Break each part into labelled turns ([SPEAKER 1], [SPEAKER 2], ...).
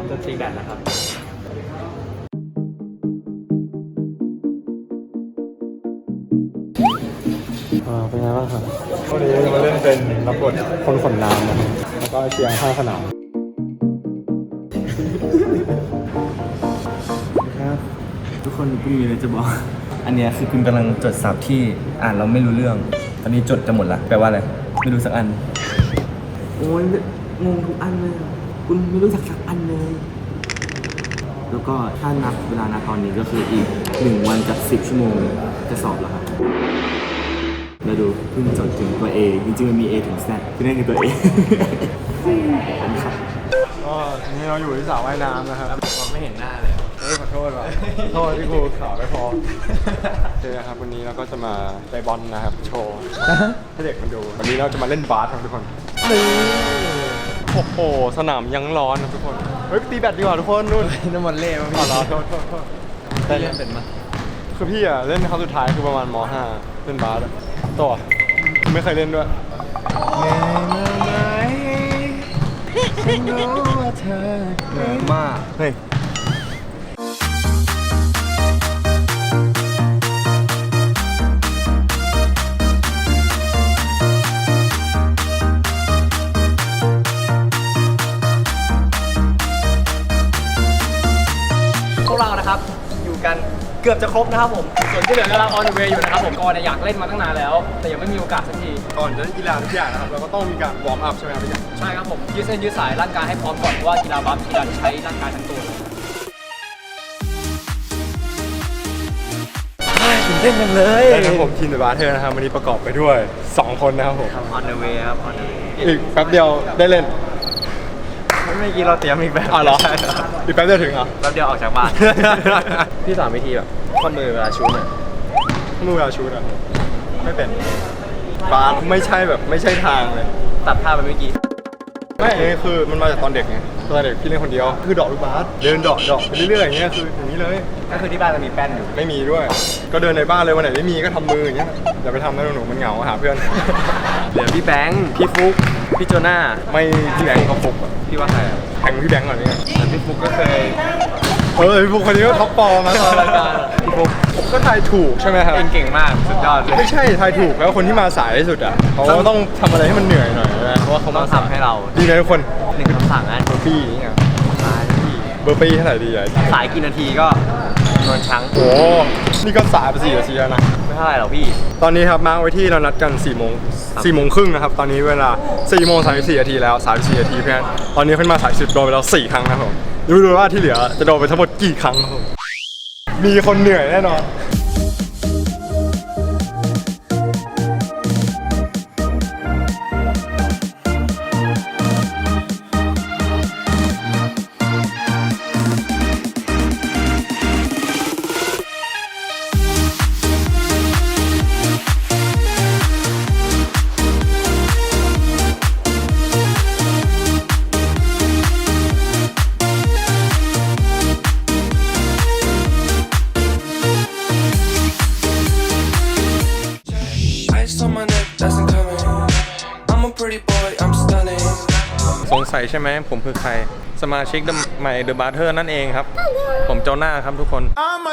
[SPEAKER 1] จะตีแบตแล้วครับเป็นไงบ้างครับวันนี้จะมาเล่นเป็นรับบทคนขนน้ำนะครับแล้วก็เชียร์ข้างสนาม
[SPEAKER 2] ทุกคนกูมีอะไรจะบอกอันเนี้ยคือคุณกำลังจดศัพท์ที่อ่านเราไม่รู้เรื่องตอนนี้จดจะหมดละแปลว่าอะไรไม่รู้สักอันโอ้ยงงทุกอันเลยคุณไม่รู้สักอันเลยแล้วก็ถ้านับเวลานะตอนนี้ก็คืออีก1 วันกับ10 ชั่วโมงจะสอบแล้วครับแล้วดูเพิ่งจดถึงตัว A จริงๆมันมี A ถึง Z คือนี่คือตัว A
[SPEAKER 1] ก็นี่เราอยู่ที่สระว่ายน้ำนะครับ
[SPEAKER 2] ไม่เห็นหน้าเลย
[SPEAKER 1] ขอโทษว่ะขอโทษที่กูข่าวไม่พอโอเคครับวันนี้เราก็จะมาไปบอลนะครับโชว์ให้เด็กมันดูวันนี้เราจะมาเล่นบาสครับทุกคนนี่โอ้โหสนามยังร้อนนะทุกคนเฮ้ยตีแบดดีกว่าทุกคนนู่น
[SPEAKER 2] น้ำมันเล่มาพี่
[SPEAKER 1] อ๋อเหรอโทษ
[SPEAKER 2] ได้เล่นเป็นมั้ย
[SPEAKER 1] คือพี่อะเล่นครั้งสุดท้ายคือประมาณม.5 เล่นบาสตัวไม่เคยเล่นด้วย
[SPEAKER 2] ฉันรู้ว่าเธอเหนื่อยมาก
[SPEAKER 1] เฮ้ย
[SPEAKER 3] พวกเรานะครับอยู่กันเกือบจะครบนะครับผมส่วนที่เหลือกำลังออนเวย์อยู่นะครับผมก่อนอยากเล่นมาตั้งนานแล้วแต่ยังไม่มีโอกาสสักที
[SPEAKER 1] ก่อนจะเล่นกีฬาทุกอย่างนะครับเราก็ต้องมีการวอร์มอัพใช่ไหมครับพี่
[SPEAKER 3] ใช่ครับผมยืดเส้นยืดสายร่างกายให้พร้อมก่อนเพราะว่ากีฬาบาสกีฬาที่ใช้ร่างกายทั้งตัว
[SPEAKER 2] ตื่นเต้นจังเลย
[SPEAKER 1] นะครับผมทีมเดอะบาร์เทอร์นะครับวันนี้ประกอบไปด้วย2 คนนะครับผม
[SPEAKER 2] on the way ครับ on the way
[SPEAKER 1] อีกแป๊บเดียวได้เล่น
[SPEAKER 2] เมื่อกี้เราเตรียมอีกแบบ
[SPEAKER 1] อ๋อเหรออีกแป๊บเดียวถึงเหรอ
[SPEAKER 2] แป๊บเดียวออกจากบ้านพี่สอนวิธีแบบข้อมือเวลาชูน่ะ
[SPEAKER 1] มือเวลาชูน่ะไม่เป็นบาสไม่ใช่แบบไม่ใช่ทางเลย
[SPEAKER 2] ตัดภาพไปเมื่อกี้
[SPEAKER 1] ไม่นี่คือมันมาจากตอนเด็กไงตอนเด็กพี่เล่นคนเดียวคือเดาะลูกบาสเดินเดาะไปเรื่อยๆอย่างเงี้ยคืออย่างนี้เลย
[SPEAKER 2] ก็คือที่บ้านจะมีแป้นอยู่
[SPEAKER 1] ไม่มีด้วยก็เดินในบ้านเลยวันไหนไม่มีก็ทำมืออย่างเงี้ยอย่าไปทำนะหนูมันเหงาหาเพื่อน
[SPEAKER 2] เหลือพี่แบงค์พี่ฟุ๊กพี่โจน่า
[SPEAKER 1] ไม่พี่แบงค์ก็ฟุก
[SPEAKER 2] พี่ว่าใคร
[SPEAKER 1] แข่งพี่แบงค์ก่อนนี่
[SPEAKER 2] พี่ฟุ๊กก็เคย
[SPEAKER 1] พี่ฟุกคนนี้ก็ท็อปปอมาตอนรายการพี่ฟุกผมก็ทายถูกใช่ไหมครับ
[SPEAKER 2] เก่งมากสุดยอดเลย
[SPEAKER 1] ไม่ใช่ทายถูกแล้วคนที่มาสายที่สุดอ่ะเขาต้องทำอะไรให้มันเหนื่อยหน่อยนะเพราะว่าเขา
[SPEAKER 2] ต้องทำให้เรา
[SPEAKER 1] ดีนะทุกคน
[SPEAKER 2] 1 คำสั่งนะ
[SPEAKER 1] เบอร์ปี้นี่ไงเบอร์ปี้เท่าไหร่ดีอ่ะ
[SPEAKER 2] สายกี่นาทีก็นอนช้าง
[SPEAKER 1] โอ้นี่ก็สายไป4 นาทีแล้วนะ
[SPEAKER 2] ไม่เท่าไหร่หรอกพี่
[SPEAKER 1] ตอนนี้ครับมาร์คไว้ที่เรานัดกัน4 โมงครึ่งนะครับตอนนี้เวลา4 โมง 34 นาทีแล้ว34 นาทีเพื่อนตอนนี้ขึ้นมาสาย10โดนไปแล้ว4 ครั้งนะครับผมดูว่าที่เหลือจะโดนไปทั้งหมดกี่ครั้งครับผมมีคนเหนื่อยแน่นอน สงสัยใช่ไหมผมคือใครสมาชิกใหม่เดอะบาร์เทอร์นั่นเองครับผมโจน่าครับทุกคน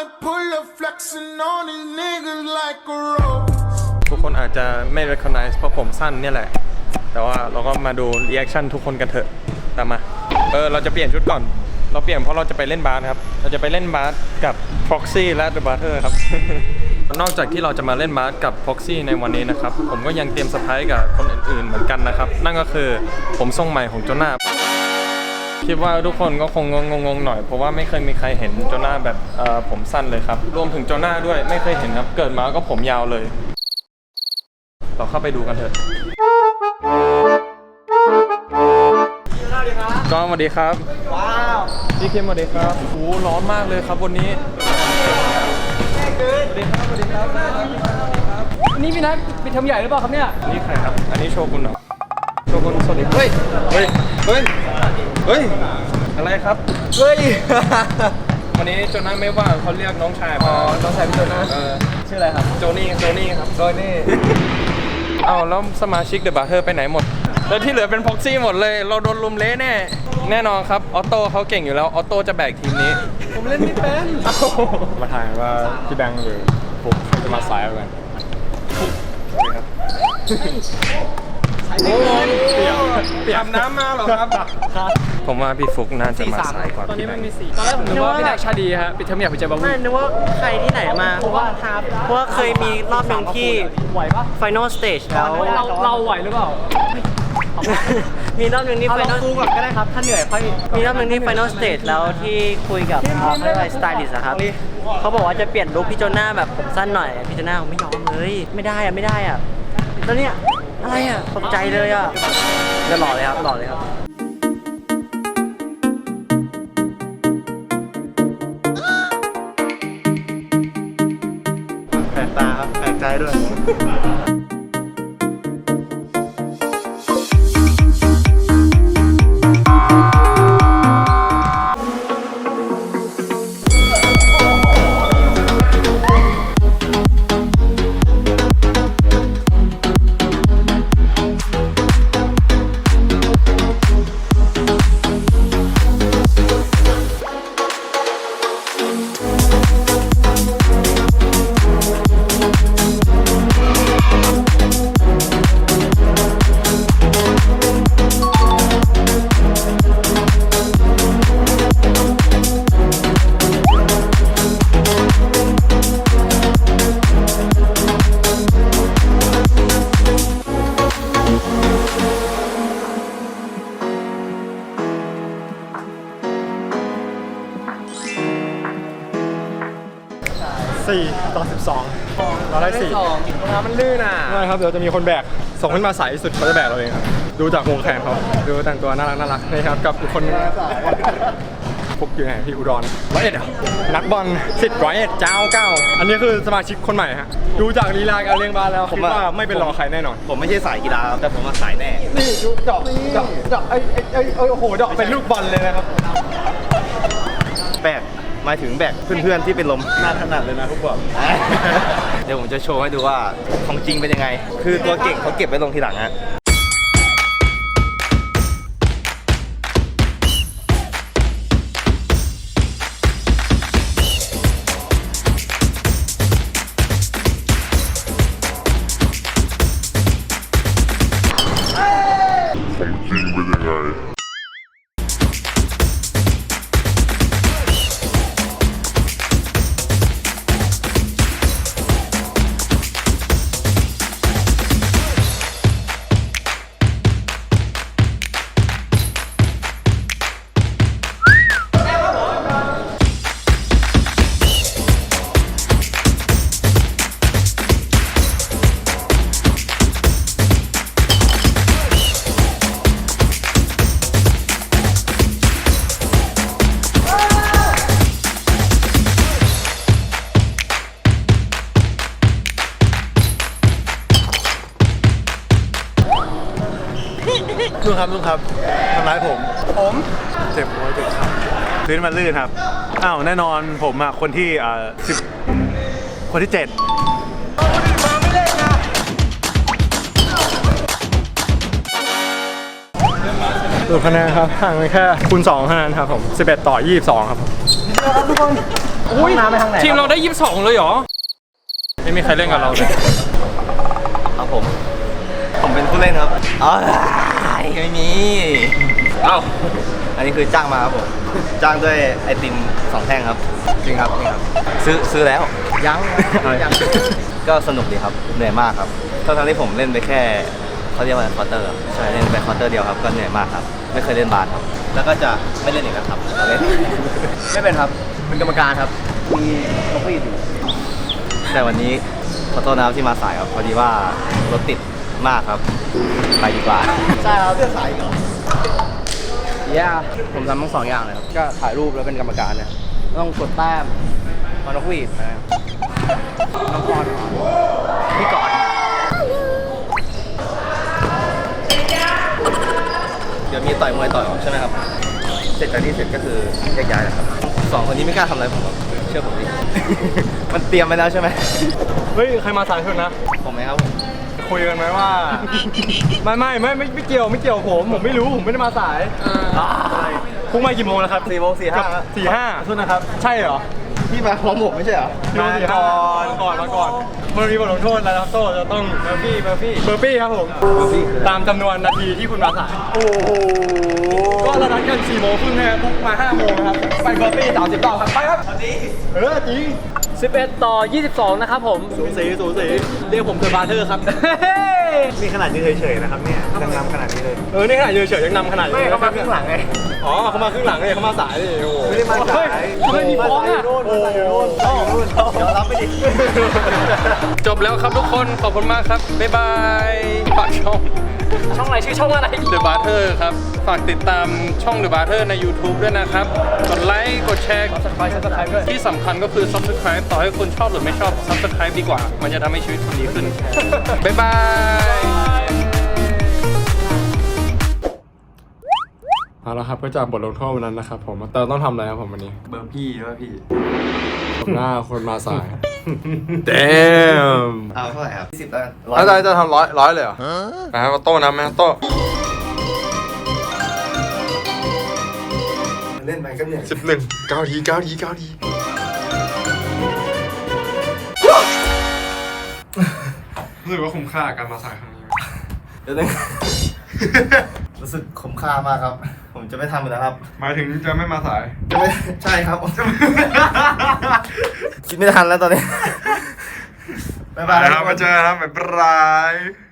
[SPEAKER 1] ทุกคนอาจจะไม่ recognize เพราะผมสั้นเนี่ยแหละแต่ว่าเราก็มาดู reaction ทุกคนกันเถอะตามมาเราจะเปลี่ยนชุดก่อนเราเปลี่ยนเพราะเราจะไปเล่นบาสครับเราจะไปเล่นบาสกับ Proxy และ The Barter ครับ นอกจากที่เราจะมาเล่นบาสกับ Proxy ในวันนี้นะครับผมก็ยังเตรียมเซอร์ไพรส์กับคนอื่นๆเหมือนกันนะครับนั่นก็คือผมทรงใหม่ของโจน่าคิดว่าทุกคนก็คงงงๆหน่อยเพราะว่าไม่เคยมีใครเห็นโจน่าแบบผมสั้นเลยครับรวมถึงโจน่าด้วยไม่เคยเห็นครับเกิดมาก็ผมยาวเลยเราเข้าไปดูกันเถอะก็สวัสดีครับว้าวพี่เข้มสวัสดีครับโอ้ร้อนมากเลยครับวันนี้สวัสดีครับสวัสดีครับ
[SPEAKER 3] วันนี้พี่นัทไปทำใหญ่หรือเปล่าครับเนี่ย
[SPEAKER 1] นี่ใครครับอันนี้โชกุนเหรอโชกุนสวัสดีเฮ้ยอะไรครับ
[SPEAKER 3] เฮ้ย
[SPEAKER 1] วันนี้โจน่าไม่ว่างเขาเรียกน้องชาย
[SPEAKER 3] น้องชายพี่โจน่าชื่ออะไรครับ
[SPEAKER 1] โจนี่ครับ
[SPEAKER 3] โจนี่
[SPEAKER 1] เอาแล้วสมาชิกเดอะบาร์เทอร์ไปไหนหมดแล้วที่เหลือเป็นพ็อกซี่หมดเลย เราโดนลุมเละแน่นอนครับ ออโต้เขาเก่งอยู่แล้ว ออโต้จะแบกทีมนี้
[SPEAKER 3] ผมเล่นไม่เป็น
[SPEAKER 1] มาถ่ายว่าพี่แบงค์หรือฟุกจะมาสายกันโอ้ยเตรียมน้ำมาเหรอครับ ผมว่าพี่ฟุกน่าจะมาสายกว่า
[SPEAKER 3] ตอนนี้
[SPEAKER 1] พี่แบ
[SPEAKER 3] มั
[SPEAKER 1] ง
[SPEAKER 3] น
[SPEAKER 1] ค์
[SPEAKER 3] มี4ตอนแรกผมนึกว่าพี่แดกชาดีฮะปิดเทอมอยากไปเจอบาวู
[SPEAKER 4] ไม่นึกว่าใครที่ไหนมาเพราะว่าเคยมีรอบหนึ่งที่
[SPEAKER 3] ไหวปะ
[SPEAKER 4] Final Stage แล้ว
[SPEAKER 3] เราไหวหรือเปล่า
[SPEAKER 4] มีรอบหนึ่งที่
[SPEAKER 3] เอาลอง
[SPEAKER 4] Final
[SPEAKER 3] คูก่อนก็ได้ครับ ถ้าเหนื่อยค่อย
[SPEAKER 4] มีรอบหนึ่งที่ Final Stage แล้วที่คุยกับเขาเรียกว่าสไตลิสต์ครับเขาบอกว่าจะเปลี่ยนลุคพี่โจน่าแบบผมสั้นหน่อยพี่โจน่าเขาไม่ยอมเลยไม่ได้อะแล้วเนี่ยอะไรอะตกใจเลยอะเดี๋ยวหล่อเลยครับหล่อเลยครับ
[SPEAKER 2] แปลกตาครับแปลกใจด้วย
[SPEAKER 1] 4-12เราได้4น้ำมันลื่นอ่ะไม่ครับเดี๋ยวจะมีคนแบกส่งขึ้นมาสายที่สุดเขาจะแบกเราเองครับดูจากวงแขนเขาดูแต่งตัวน่ารักนี่ครับกับอีกคนฟุกอยู่ไหนพี่อุดร101อ่ะนักบอลสิทธิ์101เจ้าเก้าอันนี้คือสมาชิกคนใหม่ฮะดูจากลีลาการเลี้ยงบาสแล้วคิดว่าไม่เป็นรองใครแน่นอน
[SPEAKER 2] ผมไม่ใช่สายกีฬาครับแต่ผมมาสายแน่
[SPEAKER 1] นี่ดูดอกไอ้โอ้โหดอกเป็นลูกบอลเลยนะครับ
[SPEAKER 2] แบกหมายถึงแบกเพื่อนๆที่เป็นลมน่าถนัดเลยนะทุกบอก เดี๋ยวผมจะโชว์ให้ดูว่าของจริงเป็นยังไง คือตัวเก่งเขาเก็บไว้ลงทีหลังฮะ ลุงครับทำร้ายผมเจ็บหัวเจ็บขาพื้นมันลื่นครับอ้าวแน่นอนผมอ่ะคนที่คนที่7ดูคะแนนครับห่างกันแค่คูณ2คะแนนครับผม11 ต่อ 22ครับผม
[SPEAKER 3] อุ้ยน้ำไปทางไหน
[SPEAKER 1] ทีมเราได้ 22เลยเหรอไม่มีใครเล่นกับเราเลย
[SPEAKER 2] ครับผมเป็นผู้เล่นครับอ๋อไม่มี
[SPEAKER 1] เอ้า
[SPEAKER 2] อันนี้คือจ้างมาครับผมจ้างด้วยไอติม2 แท่งครับจริงครับนี่ครับซื้อแล้ว
[SPEAKER 3] ยัง
[SPEAKER 2] ก็สนุกดีครับเหนื่อยมากครับทั้งที่ผมเล่นไปแค่เขาเรียกว่าควอเตอร์ใช่เล่นไปควอเตอร์เดียวครับก็เหนื่อยมากครับไม่เคยเล่นบาสครับแล้วก็จะไม่เล่นอีกแล้วครับเราเล่น ไม่เป็นครับเป็นกรรมการครับมีเขาก็อยู่แต่วันนี้ขอโทษนะครับที่มาสายครับพอดีว่ารถติดมากครับไปดีกว่า
[SPEAKER 3] ใช่ครับ
[SPEAKER 2] เสื้อสายเหรอ
[SPEAKER 3] ย่าผมทำทั้ง2 อย่างเลยครับ ก็ถ่ายรูปแล้วเป็นกรรมการเนี่ยต้องกดแต้มมานกหวีดนะครับน้องกรพี่ก่อน
[SPEAKER 2] เดี๋ยวมีต่อยมวยต่อยออกใช่ไหมครับเสร็จจากนี้เสร็จก็คือแยกย้ายนะครับ2 คนนี้ไม่กล้าทำอะไรผมหรอกเชื่อผมดิ มันเตรียมไปแล้วใช่ไหม
[SPEAKER 1] เฮ้ยใครมาสายสุดนะ
[SPEAKER 2] ผมไหมครับผม
[SPEAKER 1] คุยกันไหมว่า ไม่เกี่ยวผมไม่รู้ผมไม่ได้มาสายพรุ่งมากี่โมงแล้วครับ
[SPEAKER 3] 4 โมง
[SPEAKER 1] 4:05โทษนะครับ ใช่เหรอ
[SPEAKER 3] พี่มาพร้อมผมไม่ใช่เหรอ
[SPEAKER 1] มาก่อนมันมีบทลงโทษแล้วครับโต้จะต้องเบอร์ปี้ครับผมตามจำนวนนาทีที่คุณมาสายโอ้โหก็เรานัดกัน4 โมงครึ่งนะครับพรุ่งมา5 โมงนะครับไปเบอร์ปี้30 รอบครับไปครับจริง
[SPEAKER 4] 11-22 นะครับผม
[SPEAKER 1] สูสีเรียกผมเทอร์บาร์เทอร์ครับ
[SPEAKER 2] นี่ขนาดยืนเฉยๆนะครับเนี่ยยังนำขนาดนี้เลย
[SPEAKER 1] นี่ขนาดเฉยๆยังนำขนาดนี้
[SPEAKER 2] ไม่เขามาครึ่งหลังไง
[SPEAKER 1] อ๋อเขามาครึ่งหลังเลยเขามาสายเลยโอ้โห
[SPEAKER 2] ไม่ได้มาสาย
[SPEAKER 1] เฮ้ยมีฟ้องอ่ะ
[SPEAKER 2] โอ้โหเดี๋ยวรับไปดิ
[SPEAKER 1] จบแล้วครับทุกคนขอบคุณมากครับบ๊ายบายฝากช่อง
[SPEAKER 4] ช่องอะไรชื่อช่องอะไร
[SPEAKER 1] The Barter ครับ ฝากติดตามช่อง The Barter ใน YouTube ด้วยนะครับ กดไลค์ กดแชร์
[SPEAKER 4] Subscribe ด้วย
[SPEAKER 1] ที่สำคัญก็คือ Subscribe ต่อให้คุณชอบหรือไม่ชอบ Subscribe ดีกว่า มันจะทำให้ชีวิตคุณดีขึ้น บ๊ายบาย เอาละครับก็จากบทลงโทษวันนั้นนะครับผมแต่ต้องทำอะไรครับผมวันนี้
[SPEAKER 2] เบอร์พี่ด้วยพี่
[SPEAKER 1] ผมหน้าคนมาสาย Damn
[SPEAKER 2] เอาเท่าไหร่ครับ20แล้วกัน
[SPEAKER 1] อาจารย์จะทำร้อยเลยเหรอนะครับโต้นะแม่โต้
[SPEAKER 2] เล่นไปก็เหนื่อย
[SPEAKER 1] 11 9 ทีรู้สึกว่าคุ้มค่าการมาสายครั้งนี้
[SPEAKER 2] เดี๋ยวนึง รู้สึกคุ้มค่ามากครับ ผมจะไม่ทำอีกแล้วครับ
[SPEAKER 1] หมายถึงจะไม่มาสาย
[SPEAKER 2] จะไม่ใช่ครับคิดไม่ทันแล้วตอนนี้บ๊ายบาย
[SPEAKER 1] ครับมาเจอครับบ๊ายบาย